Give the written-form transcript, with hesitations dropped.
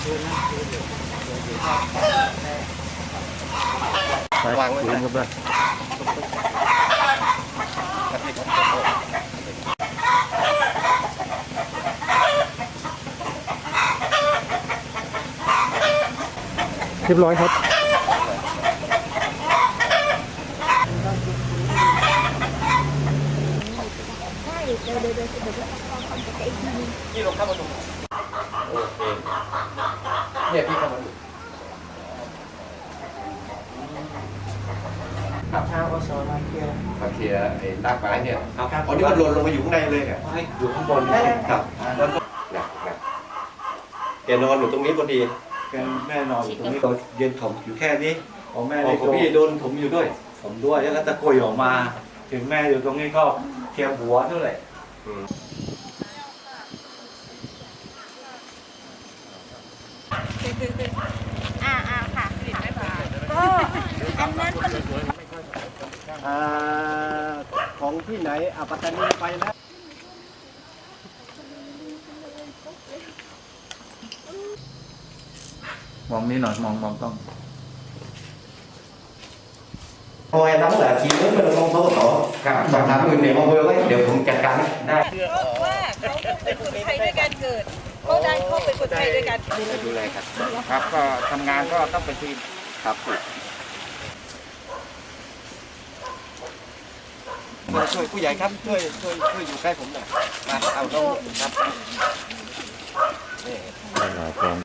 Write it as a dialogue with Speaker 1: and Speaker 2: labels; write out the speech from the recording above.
Speaker 1: วางไว้กันครับเรียบร้อยครับนี่ลงเข้ามาดูโอเคเนี่ยพี่เข้ามาดู
Speaker 2: กับชาวอสมาเคลียร์
Speaker 1: มาเคลียร์ไอ้รากไม้เนี่ยอ๋อนี่มันหล่นลงมาอยู่ข้างในเลยเนี่ย
Speaker 2: อยู่ข้างบน
Speaker 1: ครับแล้วก็แกนอนอยู่ตรงนี้พอดี
Speaker 2: แม่นอนอยู่ตรงนี้เราเย็นถมอยู่แค่นี้ของแม่
Speaker 1: อ๋อของพี่โดนผมอยู่ด้วย
Speaker 2: ผมด้วยแล้วก็ตะโกยออกมาถึงแม่อยู่ตรงนี้ก็เทียมหัวเท่าไหร่
Speaker 3: ค่ะก็อันนั้นมัน
Speaker 1: ของที่ไหนปัตตานีไปแล้ว
Speaker 2: มองนี่หน่อยมองต้อง
Speaker 1: Thôi em nắm là chi nhớ bên con số tổ sòng thảm người này con quên đấy đều cùng chặt cắn đây
Speaker 3: เพราะว่าเขาเป็นคนไทยด้วยการเกิดเขาได้เขาเป็นคนไทยด้วยการเกิด
Speaker 1: ดูแลครับ
Speaker 2: ครับก็ทำงานก็ต้องเป็นทีม
Speaker 1: ครับช่วยผู้ใหญ่ครับช่วยอยู่ใกล้ผมหน่อยมาเอาน้องครับ